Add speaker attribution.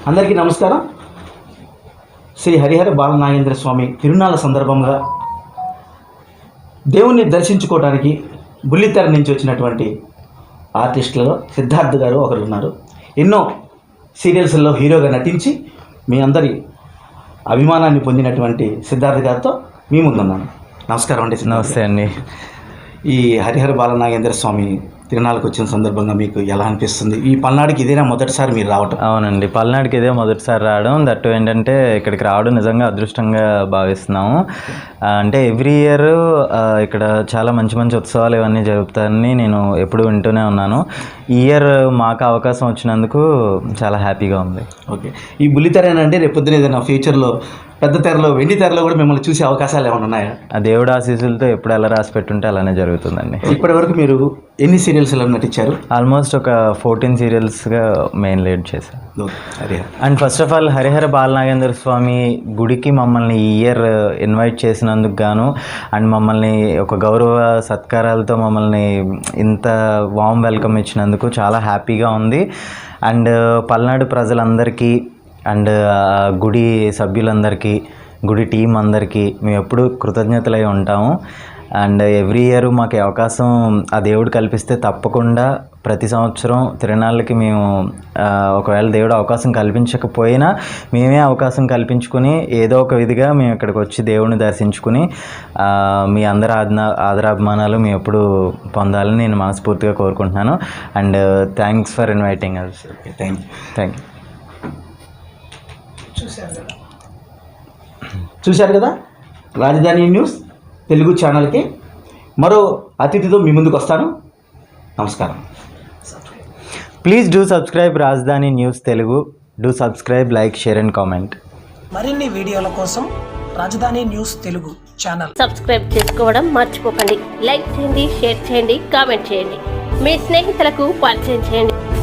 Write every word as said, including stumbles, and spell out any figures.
Speaker 1: అందరికీ నమస్కారం. శ్రీ హరిహర బాలనాగేంద్ర స్వామి తిరునాళ్ళ సందర్భంగా దేవుణ్ణి దర్శించుకోవడానికి బుల్లితెర నుంచి వచ్చినటువంటి ఆర్టిస్టులలో సిద్ధార్థ్ గారు ఒకరు ఉన్నారు. ఎన్నో సీరియల్స్లో హీరోగా నటించి మీ అందరి అభిమానాన్ని పొందినటువంటి సిద్ధార్థ్ గారితో మీ ముందున్నాను. నమస్కారం అండి.
Speaker 2: నమస్తే అండి.
Speaker 1: ఈ హరిహర బాలనాగేంద్ర స్వామి తిరునాళ్ళకి వచ్చిన సందర్భంగా మీకు ఎలా అనిపిస్తుంది? ఈ పల్నాడుకి ఇదేనా మొదటిసారి మీరు రావటం?
Speaker 2: అవునండి, పల్నాడుకి ఇదే మొదటిసారి రావడం. దట్టు ఏంటంటే ఇక్కడికి రావడం నిజంగా అదృష్టంగా భావిస్తున్నాము. అంటే ఎవ్రీ ఇయర్ ఇక్కడ చాలా మంచి మంచి ఉత్సవాలు ఇవన్నీ జరుపుతారని నేను ఎప్పుడు వింటూనే ఉన్నాను. ఈ ఇయర్ మాకు అవకాశం వచ్చినందుకు చాలా హ్యాపీగా ఉంది.
Speaker 1: ఓకే, ఈ బుల్లితెరేనండి రేపొద్దున ఏదైనా ఫ్యూచర్లో పెద్ద తెరలో వెండి తెరలో కూడా మిమ్మల్ని చూసే అవకాశాలు ఏమైనా ఉన్నాయా?
Speaker 2: ఆ దేవుడు ఆశీస్సులతో ఎప్పుడు ఎలా రాసి పెట్టుంటే అలానే జరుగుతుందండి.
Speaker 1: ఇప్పటి వరకు మీరు ఎన్ని సీరియల్స్లో నటించారు?
Speaker 2: ఆల్మోస్ట్ ఒక ఫోర్టీన్ సీరియల్స్గా మెయిన్ లీడ్ చేశాను.
Speaker 1: Harihara
Speaker 2: and first of all Harihara Balanagendra Swamy గుడికి మమ్మల్ని ఈ ఇయర్ ఇన్వైట్ చేసినందుకు గాను అండ్ మమ్మల్ని ఒక గౌరవ సత్కారాలతో మమ్మల్ని ఇంత వామ్ వెల్కమ్ ఇచ్చినందుకు చాలా హ్యాపీగా ఉంది. అండ్ పల్నాడు ప్రజలందరికీ అండ్ గుడి సభ్యులందరికీ, గుడి టీం అందరికీ మేము ఎప్పుడూ కృతజ్ఞతలై ఉంటాము. అండ్ ఎవ్రీ ఇయర్ మాకు అవకాశం ఆ దేవుడు కల్పిస్తే తప్పకుండా ప్రతి సంవత్సరం తిరునాళ్ళకి మేము ఒకవేళ దేవుడు అవకాశం కల్పించకపోయినా మేమే అవకాశం కల్పించుకుని ఏదో ఒక విధిగా మేము ఇక్కడికి వచ్చి దేవుడిని దర్శించుకుని మీ అందరి ఆదన ఆదరాభిమానాలు మేము ఎప్పుడు పొందాలని నేను మనస్ఫూర్తిగా కోరుకుంటున్నాను. And thanks for inviting us.
Speaker 1: Thank you
Speaker 2: thank you
Speaker 1: చూశారు కదా, రాజధాని న్యూస్ తెలుగు ఛానల్కి మరో అతిథితో మీ ముందుకు వస్తాను. నమస్కారం.
Speaker 2: Please do subscribe Rajadhani news Telugu. Do subscribe, like, share and comment.
Speaker 3: మరిన్ని వీడియోల కోసం రాజధాని న్యూస్ తెలుగు ఛానల్
Speaker 4: సబ్స్క్రైబ్ చేసుకోవడం మర్చిపోకండి. లైక్ చేయండి, షేర్ చేయండి, కామెంట్ చేయండి. మీ స్నేహితులకు పరిచయం చేయండి.